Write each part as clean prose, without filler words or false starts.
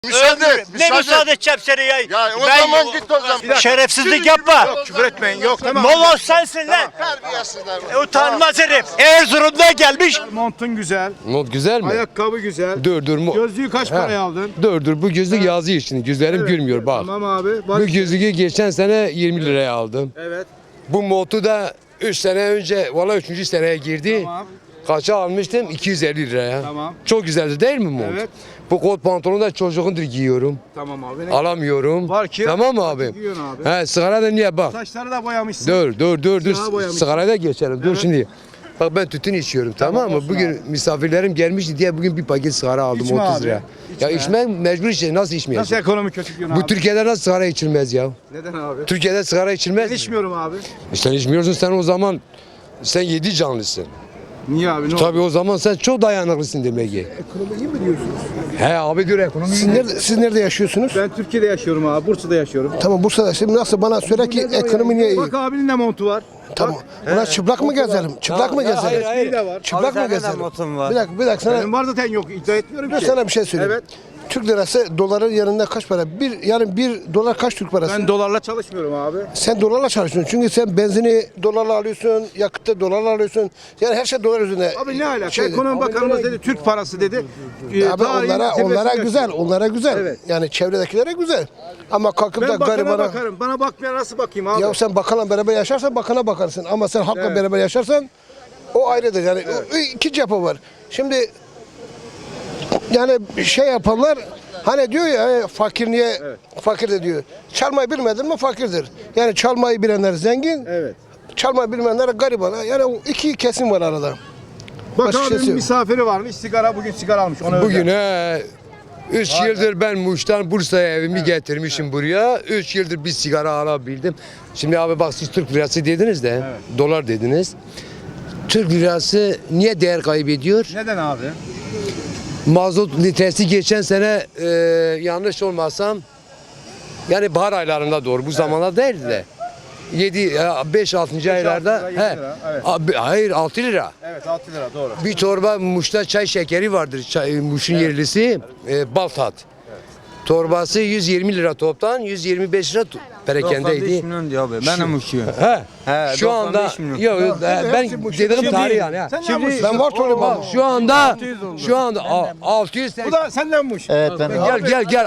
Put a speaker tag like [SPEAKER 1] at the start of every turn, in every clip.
[SPEAKER 1] Müsaade et.
[SPEAKER 2] Ne müsaade edeceğim seni ya?
[SPEAKER 1] Ya o zaman git o zaman.
[SPEAKER 2] Şerefsizlik yapma.
[SPEAKER 3] Yok küfür etmeyin. Yok tamam.
[SPEAKER 2] Moloz sensin lan.
[SPEAKER 1] Terbiyesizler.
[SPEAKER 2] Utanmaz herif. Erzurum'da gelmiş.
[SPEAKER 3] Montun güzel.
[SPEAKER 4] Mont güzel mi?
[SPEAKER 3] Ayakkabı güzel.
[SPEAKER 4] Dur.
[SPEAKER 3] Gözlüğü kaç paraya aldın?
[SPEAKER 4] Dur bu gözlük yazıyor şimdi. Gözlerim gülmüyor bak.
[SPEAKER 3] Tamam abi. Bak.
[SPEAKER 4] Bu gözlüğü geçen sene 20 liraya aldım.
[SPEAKER 3] Evet.
[SPEAKER 4] Bu montu da 3 sene önce valla 3. seneye girdi.
[SPEAKER 3] Tamam.
[SPEAKER 4] Kaça almıştım? 250 liraya.
[SPEAKER 3] Tamam.
[SPEAKER 4] Çok güzeldi değil mi mont?
[SPEAKER 3] Evet.
[SPEAKER 4] Bu kot pantolonu da çocuğundur giyiyorum.
[SPEAKER 3] Tamam abi.
[SPEAKER 4] Alamıyorum.
[SPEAKER 3] Var ki-
[SPEAKER 4] Tamam mı abi?
[SPEAKER 3] Giyiyorsun abi.
[SPEAKER 4] He sigara da niye bak.
[SPEAKER 3] Saçları da boyamışsın.
[SPEAKER 4] Dur.
[SPEAKER 3] Siyaha boyamışsın.
[SPEAKER 4] Sigaraya da geçelim. Dur
[SPEAKER 3] Evet.
[SPEAKER 4] şimdi. Bak ben tütün içiyorum tamam mı?
[SPEAKER 3] olsun
[SPEAKER 4] Bugün
[SPEAKER 3] abi.
[SPEAKER 4] misafirlerim gelmişti diye bugün bir paket sigara aldım
[SPEAKER 3] İçme
[SPEAKER 4] 30
[SPEAKER 3] abi,
[SPEAKER 4] lira.
[SPEAKER 3] içme.
[SPEAKER 4] Ya içmek mecbur işte nasıl
[SPEAKER 3] Nasıl
[SPEAKER 4] içmeyeceğim?
[SPEAKER 3] ekonomi kötü diyorsun
[SPEAKER 4] Bu
[SPEAKER 3] abi?
[SPEAKER 4] Türkiye'de nasıl sigara içilmez ya?
[SPEAKER 3] Neden abi?
[SPEAKER 4] Türkiye'de sigara içilmez.
[SPEAKER 3] Ben içmiyorum abi.
[SPEAKER 4] Sen içmiyorsun sen o zaman sen 7 canlısın.
[SPEAKER 3] Niye abi? Ne oldu?
[SPEAKER 4] Tabii o zaman sen çok dayanıklısın demek ki.
[SPEAKER 3] Ekonomi iyi mi diyorsunuz?
[SPEAKER 4] He abi diyor ekonomi.
[SPEAKER 5] Siz nerede yaşıyorsunuz?
[SPEAKER 3] Ben Türkiye'de yaşıyorum abi. Bursa'da yaşıyorum.
[SPEAKER 5] Tamam Bursa'da. Şimdi nasıl bana söyle ki ekonomi niye iyi?
[SPEAKER 3] Bak abinin de montu var.
[SPEAKER 5] Tamam. Buna çıplak mı gezelim? Çıplak mı gezelim?
[SPEAKER 4] hayır, hayır.
[SPEAKER 3] İyi de var.
[SPEAKER 5] Çıplak mı gezelim? Bir dakika sana,
[SPEAKER 3] Benim var zaten yok. İddia etmiyorum
[SPEAKER 5] ben
[SPEAKER 3] ki.
[SPEAKER 5] sana bir şey söyleyeyim.
[SPEAKER 3] Evet.
[SPEAKER 5] Türk lirası doların yanında kaç para? Yani bir dolar kaç Türk parası?
[SPEAKER 3] Ben dolarla çalışmıyorum abi.
[SPEAKER 5] Sen dolarla çalışıyorsun. Çünkü sen benzini dolarla alıyorsun, yakıtı dolarla alıyorsun. Yani her şey dolar üzerine.
[SPEAKER 3] Abi ne alaka?
[SPEAKER 5] Şeydi.
[SPEAKER 3] Ekonomi Bakanımız dedi Türk parası dedi.
[SPEAKER 5] Abi onlara güzel, onlara güzel.
[SPEAKER 3] Evet.
[SPEAKER 5] Yani çevredekilere güzel. Ama kalkıp da
[SPEAKER 3] Ben bakana
[SPEAKER 5] garibana...
[SPEAKER 3] bakarım. Bana bakmayan nasıl bakayım abi?
[SPEAKER 5] Ya sen bakanla beraber yaşarsan bakana bakarsın. Ama sen halkla
[SPEAKER 3] Evet.
[SPEAKER 5] beraber yaşarsan o ayrıdır. Yani o iki cephe var. Şimdi yani şey yapanlar hani diyor ya fakir niye fakir de diyor. Çalmayı bilmedin mi fakirdir. Yani çalmayı bilenler zengin.
[SPEAKER 3] Evet.
[SPEAKER 5] Çalmayı bilmeyenler gariban. Yani o iki kesim var arada.
[SPEAKER 3] Bak
[SPEAKER 5] Başka şey
[SPEAKER 3] abimin
[SPEAKER 5] yok.
[SPEAKER 3] misafiri varmış. Sigara bugün sigara almış. Ona
[SPEAKER 4] Bugün
[SPEAKER 3] özel.
[SPEAKER 4] 3 yıldır ben Muş'tan Bursa'ya evimi getirmişim buraya. 3 yıldır bir sigara alabildim. Şimdi abi bak siz Türk lirası dediniz de dolar dediniz. Türk lirası niye değer kaybediyor?
[SPEAKER 3] Neden abi?
[SPEAKER 4] Mazot litresi geçen sene yanlış olmasam yani bahar aylarında doğru bu zamanlar değildi de. 5-6. aylarda
[SPEAKER 3] lira, 7 lira, evet.
[SPEAKER 4] hayır 6 lira.
[SPEAKER 3] Evet 6 lira doğru.
[SPEAKER 4] Bir torba Muş'ta çay şekeri vardır. Muş'un yerlisi Baltat. Torbası 120 lira toptan 125 lira perakendeydi.
[SPEAKER 6] milyon diyor abi. Ben de muşuyum.
[SPEAKER 4] He.
[SPEAKER 6] He,
[SPEAKER 4] Şu anda
[SPEAKER 6] 95 milyon.
[SPEAKER 4] yok ben dedim tarih yani. ha.
[SPEAKER 3] Sen şimdi
[SPEAKER 5] Ben var söyleyeyim
[SPEAKER 4] Bak şu anda 680
[SPEAKER 3] bu da sendenmiş. Evet ben.
[SPEAKER 4] gel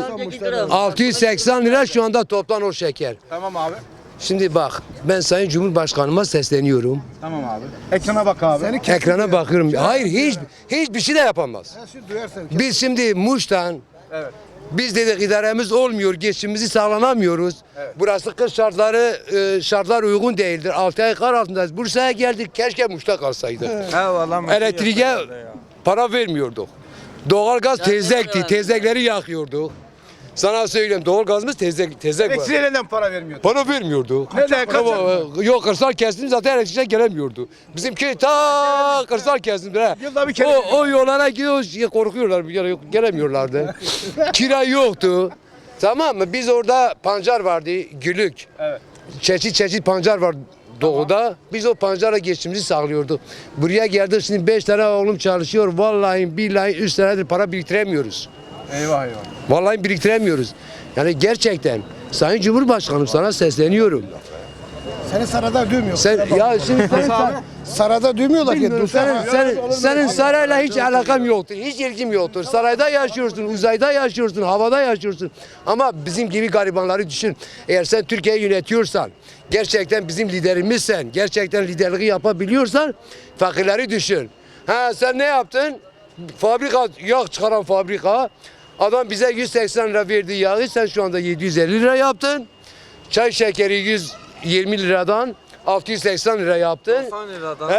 [SPEAKER 4] 680 lira şu anda toptan o şeker.
[SPEAKER 3] Tamam abi.
[SPEAKER 4] Şimdi bak ben Sayın Cumhurbaşkanıma sesleniyorum.
[SPEAKER 3] Tamam abi. Ekrana bak abi.
[SPEAKER 4] Ekrana bakıyorum. Hayır hiçbir şey de yapamaz. Biz şimdi Muş'tan
[SPEAKER 3] Evet.
[SPEAKER 4] biz dedik idaremiz olmuyor, geçimimizi sağlanamıyoruz. Burası kış şartlar uygun değildir. 6 ay kar altındayız. Bursa'ya geldik, keşke Muş'ta kalsaydık.
[SPEAKER 6] Eyvallah.
[SPEAKER 4] Elektriğe para vermiyorduk. Doğalgaz tezekti, tezekleri yakıyorduk. Sana söyleyeyim doğalgazımız tezek var.
[SPEAKER 3] Elektriğe neden para vermiyor?
[SPEAKER 4] Para vermiyordu.
[SPEAKER 3] Neden?
[SPEAKER 4] Yok kırsal kesim zaten elektrikçiler gelemiyordu. Bizimki ta kırsal kesimdir ha.
[SPEAKER 3] Yılda bir kere
[SPEAKER 4] O yollara gidiyor korkuyorlar gelemiyorlardı. Kira yoktu. Tamam mı? Biz orada pancar vardı, gülük.
[SPEAKER 3] Evet.
[SPEAKER 4] Çeşit pancar var doğuda. Biz o pancarla geçimimizi sağlıyorduk. Buraya geldik şimdi 5 tane oğlum çalışıyor. Vallahi billahi 3 senedir para biriktiremiyoruz.
[SPEAKER 3] Eyvah.
[SPEAKER 4] Vallahi biriktiremiyoruz. Yani gerçekten Sayın Cumhurbaşkanım sana sesleniyorum.
[SPEAKER 5] Seni sarada dövmüyor.
[SPEAKER 4] Sen ya şimdi
[SPEAKER 5] Sarada dövmüyorlar ki.
[SPEAKER 4] bilmiyorum, senin sarayla hiç alakam yoktur. Hiç ilgim yoktur. Sarayda yaşıyorsun, uzayda yaşıyorsun, havada yaşıyorsun. Ama bizim gibi garibanları düşün. Eğer sen Türkiye'yi yönetiyorsan, gerçekten bizim liderimizsen, gerçekten liderliği yapabiliyorsan fakirleri düşün. Ha sen ne yaptın? Fabrika, yağ çıkaran fabrika. Adam bize 180 lira verdi yağı, sen şu anda 750 lira yaptın. Çay şekeri 120 liradan 680 lira yaptın.
[SPEAKER 6] 90 liradan.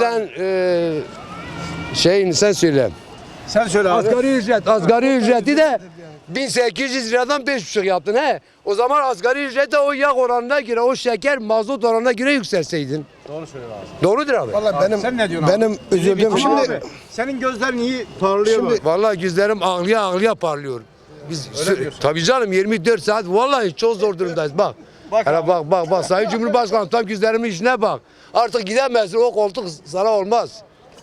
[SPEAKER 4] Sen söyle.
[SPEAKER 3] Sen söyle abi.
[SPEAKER 4] Asgari ücreti de 1800 liradan 5,5 yaptın he. O zaman asgari ücret de o yağ oranına göre, o şeker mazot oranına göre yükselseydin.
[SPEAKER 3] Doğru söylüyor abi.
[SPEAKER 4] Doğrudur abi.
[SPEAKER 5] Vallahi
[SPEAKER 3] Sen ne diyorsun abi?
[SPEAKER 5] benim üzüldüğüm
[SPEAKER 3] Ama
[SPEAKER 5] şimdi
[SPEAKER 3] abi, senin gözlerin iyi parlıyor mu?
[SPEAKER 4] Vallahi gözlerim ağlıya parlıyor. Tabii canım 24 saat vallahi çok zor durumdayız bak. Bak Sayın Cumhurbaşkanım tam gözlerimin işine bak. Artık gidemezsin o koltuk sana olmaz.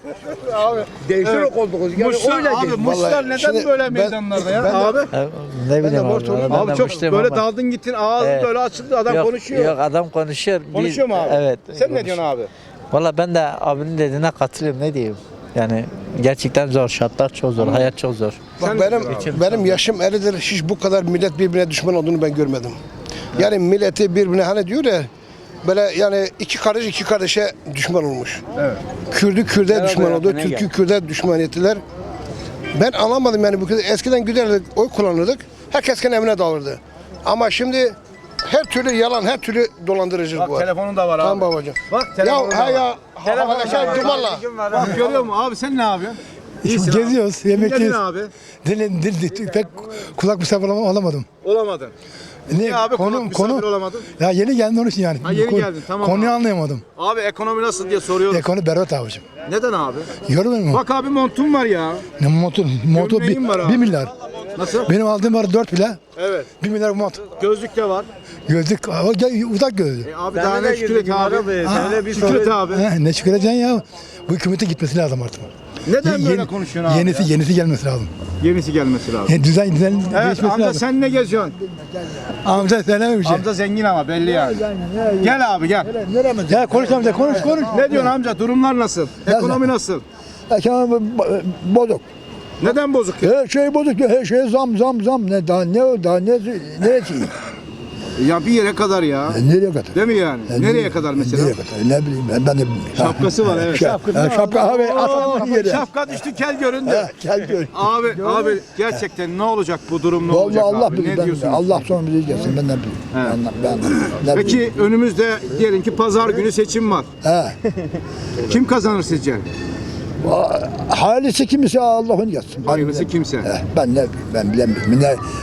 [SPEAKER 4] Değiştir o koltuğu. Yani
[SPEAKER 3] Muşlar,
[SPEAKER 4] öyle
[SPEAKER 3] abi
[SPEAKER 4] değil.
[SPEAKER 3] Muşlar
[SPEAKER 5] Vallahi
[SPEAKER 3] neden
[SPEAKER 5] şimdi
[SPEAKER 3] böyle
[SPEAKER 5] ben-
[SPEAKER 3] meydanlarda ya?
[SPEAKER 5] ben de-
[SPEAKER 3] Abi,
[SPEAKER 7] Ne bileyim
[SPEAKER 5] borç olayım.
[SPEAKER 7] ben de
[SPEAKER 3] abi çok
[SPEAKER 7] muşluyum
[SPEAKER 3] böyle
[SPEAKER 7] ama.
[SPEAKER 3] daldın gittin ağzın
[SPEAKER 7] Evet.
[SPEAKER 3] böyle açıldı adam
[SPEAKER 7] Yok,
[SPEAKER 3] konuşuyor.
[SPEAKER 7] Yok adam konuşuyor.
[SPEAKER 3] Konuşuyor mu abi?
[SPEAKER 7] Evet.
[SPEAKER 3] Sen ne diyorsun abi?
[SPEAKER 7] Valla ben de abinin dediğine katılıyorum, ne diyeyim. Yani gerçekten zor, şartlar çok zor, hayat çok zor.
[SPEAKER 5] Bak benim yaşım 50'dir. Hiç bu kadar millet birbirine düşman olduğunu ben görmedim. Yani milleti birbirine hani diyor ya böyle yani iki kardeş iki kardeşe düşman olmuş.
[SPEAKER 3] Evet.
[SPEAKER 5] Kürdü Kürde düşman oldu, Türk'ü Kürde düşman ettiler. Ben anlamadım yani bu kadar. Eskiden giderdik, oy kullanırdık. Herkes kendi evine dağılırdı. Ama şimdi her türlü yalan, her türlü dolandırıcılık
[SPEAKER 3] Bak
[SPEAKER 5] var.
[SPEAKER 3] telefonun da var abi.
[SPEAKER 5] Tamam babacığım.
[SPEAKER 3] Bak telefonun da
[SPEAKER 5] Ya
[SPEAKER 3] var.
[SPEAKER 5] ya arkadaşlar dumanla.
[SPEAKER 3] Bak görüyor musun abi sen ne yapıyorsun? İyisin abi.
[SPEAKER 8] Geziyoruz,
[SPEAKER 3] Ne
[SPEAKER 8] yemekteyiz.
[SPEAKER 3] diyorsun abi?
[SPEAKER 8] Dil pek kulak misafir alamadım.
[SPEAKER 3] Olamadın.
[SPEAKER 8] Ne
[SPEAKER 3] Ya abi
[SPEAKER 8] konu
[SPEAKER 3] misafir olamadın.
[SPEAKER 8] ya yeni geldim onun için yani.
[SPEAKER 3] Ha, yeni geldin, tamam
[SPEAKER 8] Konuyu
[SPEAKER 3] abi.
[SPEAKER 8] anlayamadım.
[SPEAKER 3] Abi ekonomi nasıl diye soruyoruz.
[SPEAKER 8] Konu berbat abicim.
[SPEAKER 3] Neden abi?
[SPEAKER 8] Görmüyor musun?
[SPEAKER 3] Bak abi montun var ya.
[SPEAKER 8] Ne motor
[SPEAKER 3] Gömleğin var abi.
[SPEAKER 8] 1 milyar.
[SPEAKER 3] Nasıl?
[SPEAKER 8] Benim aldığım var 4 bile.
[SPEAKER 3] Evet.
[SPEAKER 8] 1 milyar mont.
[SPEAKER 3] Gözlük de var.
[SPEAKER 8] Gözlük uzak gözlü.
[SPEAKER 3] Abi daha ne Şükret abi. Şükret abi.
[SPEAKER 8] Ne şükredeceksin ya? Bu hükümetin gitmesi lazım artık.
[SPEAKER 3] Neden böyle konuşuyorsun abi?
[SPEAKER 8] Yenisi gelmesi lazım.
[SPEAKER 3] Yenisi gelmesi lazım.
[SPEAKER 8] Yani düzen
[SPEAKER 3] Evet
[SPEAKER 8] değişmesi
[SPEAKER 3] amca
[SPEAKER 8] lazım.
[SPEAKER 3] sen ne geziyorsun?
[SPEAKER 8] Amca söyleme bir şey.
[SPEAKER 3] Amca zengin ama belli yani. Gel abi gel.
[SPEAKER 8] Ya konuş amca konuş.
[SPEAKER 3] Ne diyorsun amca? Durumlar nasıl? Ekonomi nasıl?
[SPEAKER 8] Ekonomi bozuk.
[SPEAKER 3] Neden bozuk ya?
[SPEAKER 8] Her şey bozuk. Her şey zam. Ne daha neresi?
[SPEAKER 3] Ya bir yere kadar ya.
[SPEAKER 8] Nereye kadar?
[SPEAKER 3] Değil mi yani? Nereye kadar mesela?
[SPEAKER 8] Nereye kadar? Ne bileyim ben de bilmiyorum.
[SPEAKER 3] Şapkası var evet.
[SPEAKER 8] Şapka abi atalım yere.
[SPEAKER 3] Şapka düştü kel göründü.
[SPEAKER 8] Gel gör.
[SPEAKER 3] Abi gerçekten ne olacak bu durum ne olacak
[SPEAKER 8] Vallahi Allah
[SPEAKER 3] abi?
[SPEAKER 8] bilir.
[SPEAKER 3] Ne diyorsun?
[SPEAKER 8] Allah sonra bilir gelsin. Ben ne bileyim. Ben ne bileyim.
[SPEAKER 3] Peki önümüzde diyelim ki pazar günü seçim var.
[SPEAKER 8] He.
[SPEAKER 3] Kim kazanır sizce?
[SPEAKER 8] Hayırlısı kimse Allah'ın yazsın.
[SPEAKER 3] Hayırlısı kimse.
[SPEAKER 8] Ben ne bileyim. Ben bilemiyorum.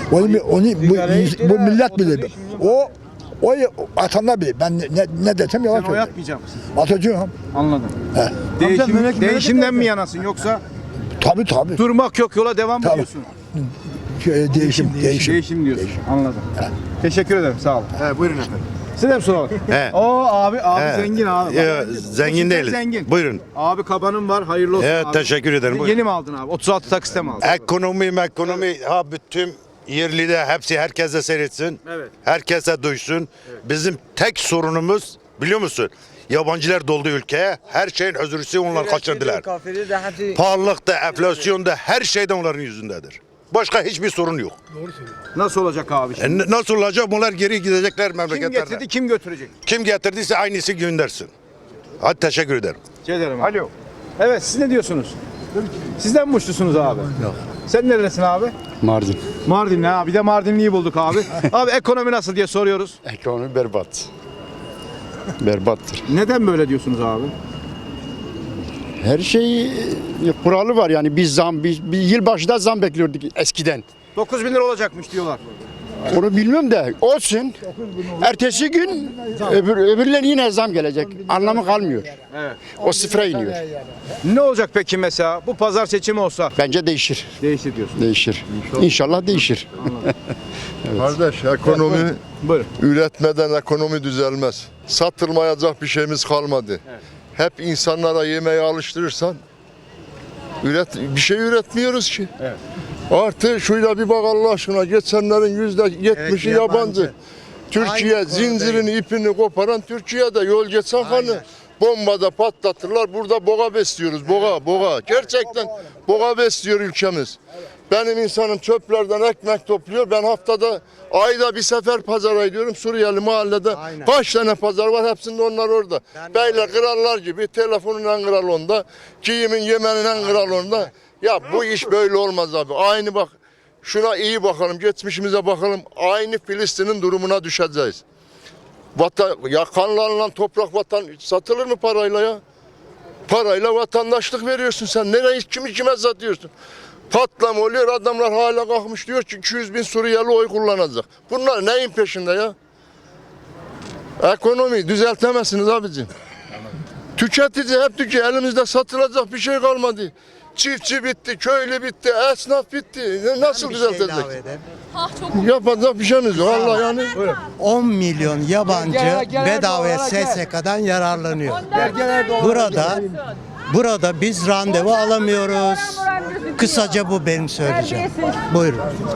[SPEAKER 8] Bu millet bilir. O atanlar bilir. Ben ne desem yalan
[SPEAKER 3] Sen oy
[SPEAKER 8] söylüyorum.
[SPEAKER 3] atmayacak mısın?
[SPEAKER 8] Atacağım.
[SPEAKER 3] Anladım. Değişimden mi yanasın yoksa
[SPEAKER 8] Tabii.
[SPEAKER 3] durmak yok yola devam mı
[SPEAKER 8] Tabii.
[SPEAKER 3] diyorsun?
[SPEAKER 8] Değişim.
[SPEAKER 3] Değişim diyorsun. Anladım. Teşekkür ederim sağ olun.
[SPEAKER 1] Buyurun efendim.
[SPEAKER 3] Size de mi soralım?
[SPEAKER 1] He.
[SPEAKER 3] Oo abi
[SPEAKER 1] He.
[SPEAKER 3] zengin abi.
[SPEAKER 1] Zengin değiliz.
[SPEAKER 3] Zengin.
[SPEAKER 1] Buyurun.
[SPEAKER 3] Abi kabanın var hayırlı olsun
[SPEAKER 1] Evet
[SPEAKER 3] abi.
[SPEAKER 1] teşekkür ederim. Buyurun.
[SPEAKER 3] Yeni mi aldın abi? 36 taksite mi aldın?
[SPEAKER 1] Ekonomi ha bütün yerli de hepsi herkese seyretsin.
[SPEAKER 3] Evet.
[SPEAKER 1] Herkese duysun. Bizim tek sorunumuz biliyor musun? Yabancılar doldu ülkeye. Her şeyin özürlüsü onlar kaçırdılar. Pahalılıkta, enflasyonda her şeyden onların yüzündedir. Başka hiçbir sorun yok.
[SPEAKER 3] Nasıl olacak abi şimdi?
[SPEAKER 1] Nasıl olacak? Bunlar geri gidecekler
[SPEAKER 3] Kim
[SPEAKER 1] memleketlerine.
[SPEAKER 3] getirdi kim götürecek?
[SPEAKER 1] Kim getirdiyse aynısı göndersin. Hadi teşekkür ederim.
[SPEAKER 3] Ederim abi. Alo. Evet siz ne diyorsunuz? Sizden mi muşlusunuz abi? Yok. Sen neredesin abi?
[SPEAKER 9] Mardin.
[SPEAKER 3] Mardinli ha. Bir de Mardinli'yi bulduk abi. Abi ekonomi nasıl diye soruyoruz.
[SPEAKER 9] Ekonomi berbat. Berbattır.
[SPEAKER 3] Neden böyle diyorsunuz abi?
[SPEAKER 9] Her şey kuralı var yani biz bir yılbaşında zam bekliyorduk eskiden.
[SPEAKER 3] 9.000 lira olacakmış diyorlar.
[SPEAKER 9] Onu bilmiyorum da olsun. Ertesi gün öbürlerine yine zam gelecek. Anlamı kalmıyor.
[SPEAKER 3] Evet.
[SPEAKER 9] O sıfıra iniyor.
[SPEAKER 3] Ne olacak peki mesela? Bu pazar seçimi olsa
[SPEAKER 9] Bence değişir.
[SPEAKER 3] değişir diyorsun.
[SPEAKER 9] Değişir. İnşallah değişir.
[SPEAKER 10] Kardeş ekonomi
[SPEAKER 3] Buyurun.
[SPEAKER 10] üretmeden ekonomi düzelmez. Satılmayacak bir şeyimiz kalmadı. Hep insanlara yemeği alıştırırsan bir şey üretmiyoruz ki.
[SPEAKER 3] Evet.
[SPEAKER 10] Artı şuyla bir bak Allah aşkına geçenlerin %70'i yabancı. Türkiye zincirini ipini koparan Türkiye'de yol geçen hani bombada patlatırlar. Burada boğa besliyoruz. Boğa. Gerçekten boğa besliyor ülkemiz. Benim insanım çöplerden ekmek topluyor. Ben haftada ayda bir sefer pazara gidiyorum. Suriyeli mahallede kaç tane pazar var hepsinde onlar orada. Beyler krallar gibi telefonun en kral onda. Giyimin yemenin en kral onda. Ya bu iş böyle olmaz abi. Aynı bak şuna iyi bakalım. Geçmişimize bakalım. Aynı Filistin'in durumuna düşeceğiz. Kanla alınan toprak vatan satılır mı parayla ya? Parayla vatandaşlık veriyorsun sen. Nereye kime satıyorsun? Patlama oluyor adamlar hala kalkmış diyor ki 200.000 Suriyeli oy kullanacak. Bunlar neyin peşinde ya? Ekonomi düzeltemezsiniz abicim. Tüketici hep tüketiyor. Elimizde satılacak bir şey kalmadı. Çiftçi bitti, köylü bitti, esnaf bitti. Nasıl düzeltecek? Yapacak bir şeyimiz yok. Allah yani.
[SPEAKER 11] 10 milyon yabancı bedavaya SSK'dan yararlanıyor. Burada
[SPEAKER 6] Burada biz randevu alamıyoruz. Kısaca bu benim söyleyeceğim. Buyurun.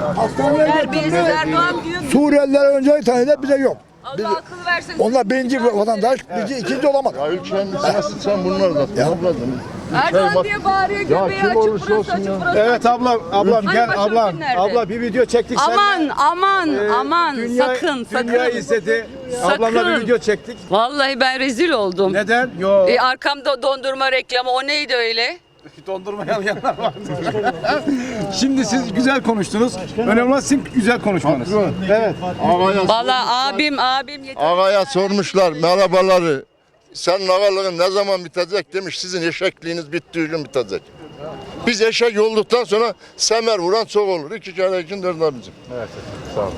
[SPEAKER 8] Suriyeliler önce tanıdı bize yok.
[SPEAKER 11] Allah akıl versin.
[SPEAKER 8] Onlar birinci vatandaş, bizi ikinci olamaz.
[SPEAKER 10] Ya ülkenin sırası sen bunlar da topladın.
[SPEAKER 11] Erdoğan diye bağırıyor göbeği
[SPEAKER 10] kim
[SPEAKER 11] açık
[SPEAKER 10] olursa
[SPEAKER 11] burası
[SPEAKER 10] olsun
[SPEAKER 11] açık
[SPEAKER 10] ya.
[SPEAKER 11] burası.
[SPEAKER 3] Evet ablam
[SPEAKER 11] Hani
[SPEAKER 3] gel
[SPEAKER 11] başörtün
[SPEAKER 3] ablam.
[SPEAKER 11] nerede?
[SPEAKER 3] Abla bir video çektik seninle.
[SPEAKER 11] Aman sakın
[SPEAKER 3] Dünya izledi. Ablamla bir video çektik.
[SPEAKER 11] Vallahi ben rezil oldum.
[SPEAKER 3] Neden? Yok.
[SPEAKER 11] Arkamda dondurma reklamı o neydi öyle?
[SPEAKER 3] Dondurmayanlar var. Şimdi siz güzel konuştunuz. Önemli olan sizin güzel konuşmanız. Evet.
[SPEAKER 11] Vallahi abim yeter.
[SPEAKER 10] Ağaya sormuşlar merhabaları. Sen ağalığın ne zaman bitecek demiş. Sizin eşekliğiniz bittiği gün bitecek. Biz eşek olduktan sonra semer vuran çok olur. 2 kere için derler bizim.
[SPEAKER 3] Evet. Sağ olun.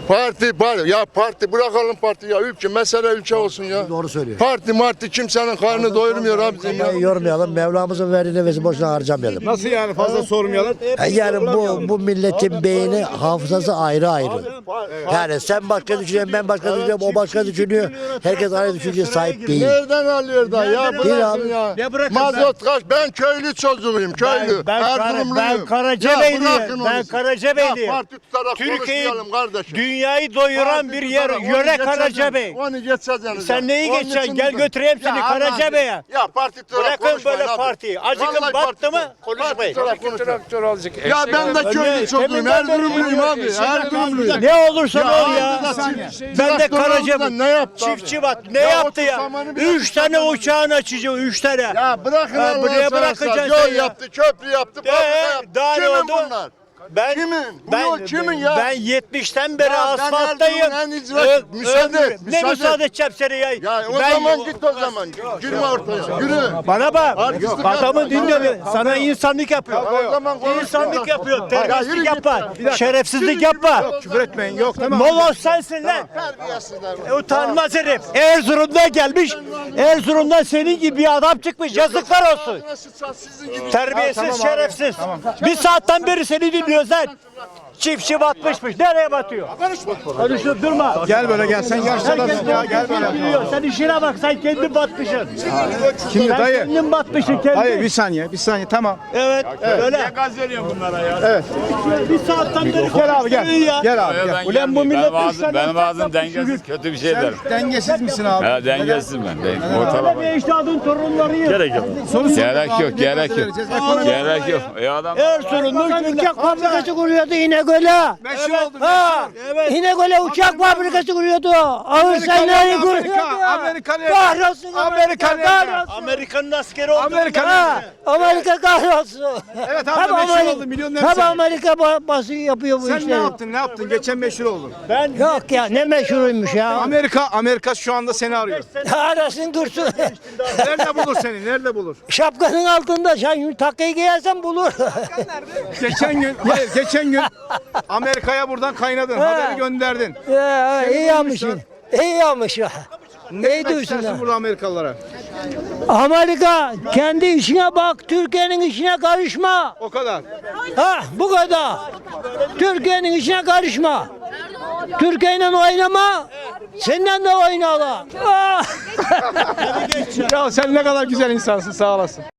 [SPEAKER 10] Parti bırakalım parti ya. Mesele ülke olsun ya.
[SPEAKER 8] Doğru söylüyor.
[SPEAKER 10] Parti kimsenin karnını doyurmuyor abicim ya.
[SPEAKER 8] Yormayalım, Mevlamızın verdiğini ve boşuna harcamayalım.
[SPEAKER 3] Nasıl yani fazla sormayalım?
[SPEAKER 8] Yani bu milletin beyni, hafızası ayrı ayrı. Yani sen başka düşünüyorsun, ben başka düşünüyorum, o başka düşünüyor. Herkes aynı düşünceye sahip değil.
[SPEAKER 10] Nereden alıyor da ya bırakın
[SPEAKER 8] abi.
[SPEAKER 10] ya.
[SPEAKER 2] Ne bırakın
[SPEAKER 10] Mazot kaç? Ben köylü çocuğuyum köylü.
[SPEAKER 2] Ben Karacabeyli'yim. Ben Karacabeyli'yim.
[SPEAKER 10] Parti tutarak
[SPEAKER 2] Türkiye'yi,
[SPEAKER 10] konuşmayalım kardeşim.
[SPEAKER 2] dünyayı doyuran bir yer, yöre Karacabey.
[SPEAKER 10] Onu geçeceksiniz.
[SPEAKER 2] Sen neyi geçeceksin? Gel götüreyim seni Karacabey'e.
[SPEAKER 10] Ya parti tutarak
[SPEAKER 2] Bırakın
[SPEAKER 10] konuşmayın
[SPEAKER 2] böyle
[SPEAKER 10] abi.
[SPEAKER 2] partiyi. Acıkın
[SPEAKER 10] Vallahi
[SPEAKER 2] battı mı?
[SPEAKER 10] parti
[SPEAKER 2] Konuşmayın.
[SPEAKER 10] tutarak konuşmayın. Ya ben de köylü çocuğum.
[SPEAKER 2] Teminden beri
[SPEAKER 10] Erzurumluyum abi. Erzurumluyum.
[SPEAKER 2] Ne olursan ol ya. Ben de Karacabey.
[SPEAKER 10] Ne yaptı abi?
[SPEAKER 2] Çiftçi bat. Ne
[SPEAKER 10] Ya
[SPEAKER 2] yaptı ya?
[SPEAKER 10] 30 zamanı bir
[SPEAKER 2] 3 tane uçağın açıcı. 3 tane.
[SPEAKER 10] Ya bırakın
[SPEAKER 2] Ha,
[SPEAKER 10] Allah'ını
[SPEAKER 2] buraya
[SPEAKER 10] seversen.
[SPEAKER 2] bırakacaksın
[SPEAKER 10] Yol
[SPEAKER 2] ya.
[SPEAKER 10] yaptı, köprü yaptı, fabrika yaptı.
[SPEAKER 2] daha ne
[SPEAKER 10] Kimin
[SPEAKER 2] oldu?
[SPEAKER 10] bunlar?
[SPEAKER 2] Ben
[SPEAKER 10] Kimin? Bu yol kimin ya?
[SPEAKER 2] Ben 70'ten beri
[SPEAKER 10] Ya ben
[SPEAKER 2] asfalttayım.
[SPEAKER 10] Erzurum'un en icra- Müsaade et,
[SPEAKER 2] Ne müsaade edeceğim seni ya?
[SPEAKER 10] Ya o
[SPEAKER 2] Ben-
[SPEAKER 10] zaman git o zaman. Girme ortaya. Yürü.
[SPEAKER 2] Bana bak.
[SPEAKER 10] Artistlik
[SPEAKER 2] Adamı
[SPEAKER 10] yapma.
[SPEAKER 2] dinle. Sana insanlık yapıyor.
[SPEAKER 10] O zaman konuş.
[SPEAKER 2] İnsanlık yapıyor.
[SPEAKER 10] yürü
[SPEAKER 2] Terbiyesizlik
[SPEAKER 10] git.
[SPEAKER 2] yapma. Şerefsizlik yapma.
[SPEAKER 3] Küfür etmeyin. Yok tamam.
[SPEAKER 2] Moloz sensin lan. Utanmaz herif. Erzurum'dan gelmiş. Erzurum'dan senin gibi bir adam çıkmış. Yazıklar olsun.
[SPEAKER 10] Sizin gibi.
[SPEAKER 2] Terbiyesiz, şerefsiz. Bir saatten beri seni dinliyoruz lan. Çiftçi batmışmış. Nereye batıyor? Konuşup durma.
[SPEAKER 3] Gel böyle gel. Sen yaşlı adamsın ya. Gel böyle.
[SPEAKER 2] Biliyor. Sen işine bak. Sen kendin batmışsın.
[SPEAKER 3] Şimdi
[SPEAKER 2] Sen
[SPEAKER 3] dayı.
[SPEAKER 2] kendin batmışsın kendin.
[SPEAKER 3] Hayır bir saniye. Bir saniye. Tamam.
[SPEAKER 2] Evet. Öyle.
[SPEAKER 3] Evet.
[SPEAKER 2] Bir saatten beri
[SPEAKER 3] Gel abi gel. Gel abi gel.
[SPEAKER 2] Ulan bu millet üç tane
[SPEAKER 12] Benim ağzım
[SPEAKER 2] yapmış
[SPEAKER 12] dengesiz kötü bir şey der.
[SPEAKER 3] Dengesiz misin abi?
[SPEAKER 12] Ha, dengesiz ben.
[SPEAKER 2] Böyle
[SPEAKER 12] Ortalama.
[SPEAKER 2] bir ecdadın torunlarıyım.
[SPEAKER 12] Gerek yok.
[SPEAKER 3] Soru
[SPEAKER 12] Gerek
[SPEAKER 3] abi,
[SPEAKER 12] yok,
[SPEAKER 3] ne
[SPEAKER 12] gerek
[SPEAKER 3] kadar
[SPEAKER 12] yok.
[SPEAKER 3] vereceğiz? Ekonomi-
[SPEAKER 12] Gerek yok. Adam
[SPEAKER 2] Erzurum'da uçak fabrikası kuruyordu İnegöl'e.
[SPEAKER 3] Meşhur oldun.
[SPEAKER 2] Ha, evet.
[SPEAKER 7] İnegöl'e uçak fabrikası kuruyordu. Ağır
[SPEAKER 3] Amerikan
[SPEAKER 7] sanayi
[SPEAKER 3] nerede?
[SPEAKER 7] kuruyordu.
[SPEAKER 3] Amerika nerede?
[SPEAKER 7] Kahrolsun
[SPEAKER 3] Amerika nerede?
[SPEAKER 7] kahrolsun.
[SPEAKER 2] Amerika'nın askeri oldu.
[SPEAKER 3] Amerika
[SPEAKER 7] Ha,
[SPEAKER 3] nerede?
[SPEAKER 7] Amerika kahrolsun.
[SPEAKER 3] Evet abi meşhur oldun. Milyonlar
[SPEAKER 7] Hep Amerika bası yapıyor bu
[SPEAKER 3] Sen
[SPEAKER 7] işleri.
[SPEAKER 3] ne yaptın? Ne yaptın? Geçen meşhur oldun.
[SPEAKER 2] Ben
[SPEAKER 7] Yok ya ne meşhuruymuş ya.
[SPEAKER 3] Amerika şu anda seni arıyor.
[SPEAKER 7] Arasın dursun.
[SPEAKER 3] Nerede bulur seni? Nerede bulur?
[SPEAKER 7] Şapkanın altında sen takkayı giyersen bulur.
[SPEAKER 3] Geçen gün Amerika'ya buradan kaynadın. Haberi gönderdin.
[SPEAKER 7] Ya, iyi
[SPEAKER 3] Seni
[SPEAKER 7] yapmışsın. İyi yapmış ya.
[SPEAKER 3] Ne
[SPEAKER 7] İyi
[SPEAKER 3] demek
[SPEAKER 7] duysun
[SPEAKER 3] istersin
[SPEAKER 7] ya.
[SPEAKER 3] burada Amerikalılara?
[SPEAKER 7] Amerika kendi işine bak, Türkiye'nin işine karışma.
[SPEAKER 3] O kadar.
[SPEAKER 7] Ha bu kadar. Türkiye'nin işine karışma. Türkiye'yle oynama. Senden de oynala. Ah!
[SPEAKER 3] Ya sen ne kadar güzel insansın. Sağ olasın.